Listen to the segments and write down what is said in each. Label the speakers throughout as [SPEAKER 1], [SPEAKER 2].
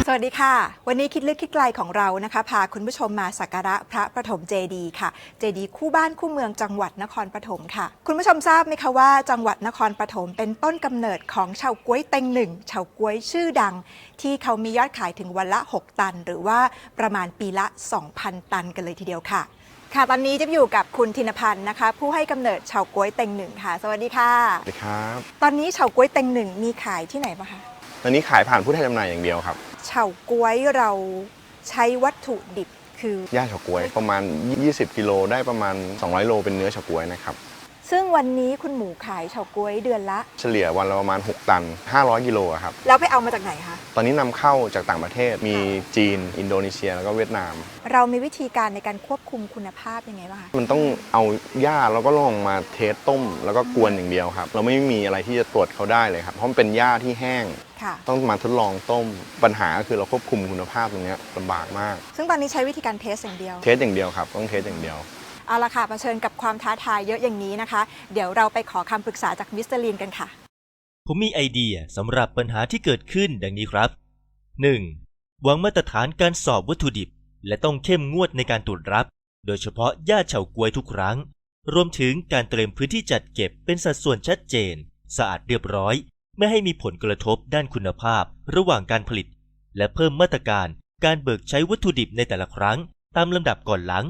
[SPEAKER 1] สวัสดีค่ะวันนี้คิดลึกคิดไกลของเรานะคะพาคุณผู้ชมมาสักการะพระประถมเจดีย์ค่ะเจดีย์คู่บ้านคู่เมืองจังหวัดนครปฐมค่ะคุณผู้ชมทราบไหมคะว่าจังหวัดนครปฐมเป็นต้นกำเนิดของเฉาก๊วยเต็งหนึ่งเฉาก๊วยชื่อดังที่เขามียอดขายถึงวันละ6 ตันหรือว่าประมาณปีละ 2,000 ตันกันเลยทีเดียวค่ะค่ะตอนนี้จะอยู่กับคุณธินพันธ์นะคะผู้ให้กำเนิดเฉาก๊วยเต็งหนึ่งค่ะสวัสดีค่ะ
[SPEAKER 2] สวัสดีครับ
[SPEAKER 1] ตอนนี้เฉาก๊วยเต็งหนึ่งมีขายที่ไหนบ้างคะ
[SPEAKER 2] ตอนนี้ขายผ่านผู้แทนจำหน่ายอย่างเดียวครับ
[SPEAKER 1] เฉาก๊วยเราใช้วัตถุดิบคื
[SPEAKER 2] อย่าเฉาก๊วยประมาณ20กิโลได้ประมาณ200โลเป็นเนื้อเฉาก๊วยนะครับ
[SPEAKER 1] ซึ่งวันนี้คุณหมูขายเฉาก๊วยเดือนละ
[SPEAKER 2] เฉลี่ยวันละประมาณ6 ตัน500กิโลครับ
[SPEAKER 1] แล้วไปเอามาจากไหนคะ
[SPEAKER 2] ตอนนี้นำเข้าจากต่างประเทศมีจีนอินโดนีเซียแล้วก็เวียดนาม
[SPEAKER 1] เรามีวิธีการในการควบคุมคุณภาพยังไงบ้างคะ
[SPEAKER 2] มันต้องเอาหญ้าแล้วก็ลองมาเทสต้มแล้วก็กวนอย่างเดียวครับเราไม่มีอะไรที่จะตรวจเขาได้เลยครับเพราะมันเป็นหญ้าที่แห้งต้องมาทดลองต้มปัญหาคือเราควบคุมคุณภาพตรงนี้ลำบากมาก
[SPEAKER 1] ซึ่งตอนนี้ใช้วิธีการเทสอย่างเดียว
[SPEAKER 2] ครับต้องเทสอย่างเดียว
[SPEAKER 1] เอาละค่ะเผชิญกับความท้าทายเยอะอย่างนี้นะคะเดี๋ยวเราไปขอคำปรึกษาจากมิสเตอร์ลีนกันค่ะ
[SPEAKER 3] ผมมีไอเดียสำหรับปัญหาที่เกิดขึ้นดังนี้ครับ 1. วางมาตรฐานการสอบวัตถุดิบและต้องเข้มงวดในการตรวจรับโดยเฉพาะหญ้าเฉาก๊วยทุกครั้งรวมถึงการเตรียมพื้นที่จัดเก็บเป็นสัดส่วนชัดเจนสะอาดเรียบร้อยไม่ให้มีผลกระทบด้านคุณภาพระหว่างการผลิตและเพิ่มมาตรการการเบิกใช้วัตถุดิบในแต่ละครั้งตามลำดับก่อนหลัง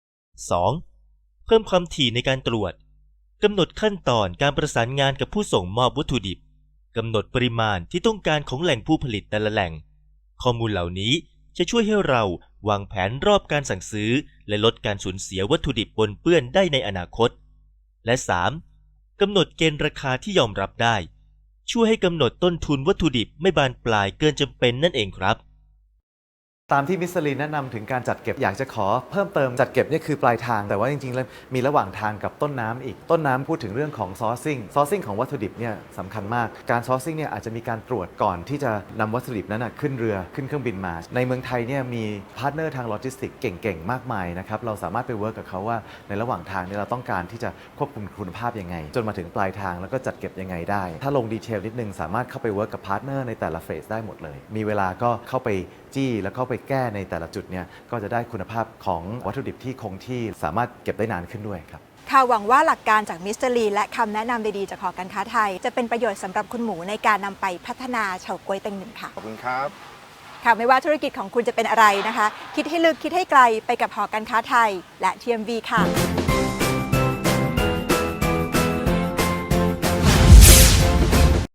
[SPEAKER 3] 2. เพิ่มความถี่ในการตรวจกำหนดขั้นตอนการประสานงานกับผู้ส่งมอบวัตถุดิบกำหนดปริมาณที่ต้องการของแหล่งผู้ผลิตแต่ละแหล่งข้อมูลเหล่านี้จะช่วยให้เราวางแผนรอบการสั่งซื้อและลดการสูญเสียวัตถุดิบปนเปื้อนได้ในอนาคตและ 3. กำหนดเกณฑ์ราคาที่ยอมรับได้ช่วยให้กำหนดต้นทุนวัตถุดิบไม่บานปลายเกินจำเป็นนั่นเองครับ
[SPEAKER 4] ตามที่มิสลีนแนะนำถึงการจัดเก็บอยากจะขอเพิ่มเติมจัดเก็บนี่คือปลายทางแต่ว่าจริงๆแล้วมีระหว่างทางกับต้นน้ำอีกต้นน้ำพูดถึงเรื่องของซอร์ซิ่งของวัตถุดิบเนี่ยสำคัญมากการซอร์ซิ่งเนี่ยอาจจะมีการตรวจก่อนที่จะนำวัตถุดิบนั้นขึ้นเรือขึ้นเครื่องบินมาในเมืองไทยเนี่ยมีพาร์ทเนอร์ทางโลจิสติกส์เก่งๆมากมายนะครับเราสามารถไปเวิร์กกับเขาว่าในระหว่างทางเนี่ยเราต้องการที่จะควบคุมคุณภาพยังไงจนมาถึงปลายทางแล้วก็จัดเก็บยังไงได้ถ้าลงดีเทลนิดนึงสามารถเข้าไปเวิร์กกับพาร์ทเนอร์ในแต่ละเฟสได้หมดเลยมีเวลาก็เข้าไปจี้แล้วเข้าไปแก้ในแต่ละจุดเนี่ยก็จะได้คุณภาพของวัตถุดิบที่คงที่สามารถเก็บได้นานขึ้นด้วยครับ
[SPEAKER 1] ค่ะหวังว่าหลักการจากมิสเตอร์ลีและคำแนะนำดีๆจากหอการค้าไทยจะเป็นประโยชน์สำหรับคุณหมูในการนำไปพัฒนาเฉาก๊วยเต็งหนึ่งค่ะ
[SPEAKER 2] ขอบคุณครับ
[SPEAKER 1] ค่ะไม่ว่าธุรกิจของคุณจะเป็นอะไรนะคะคิดให้ลึกคิดให้ไกลไปกับหอการค้าไทยและ TMV ค่ะ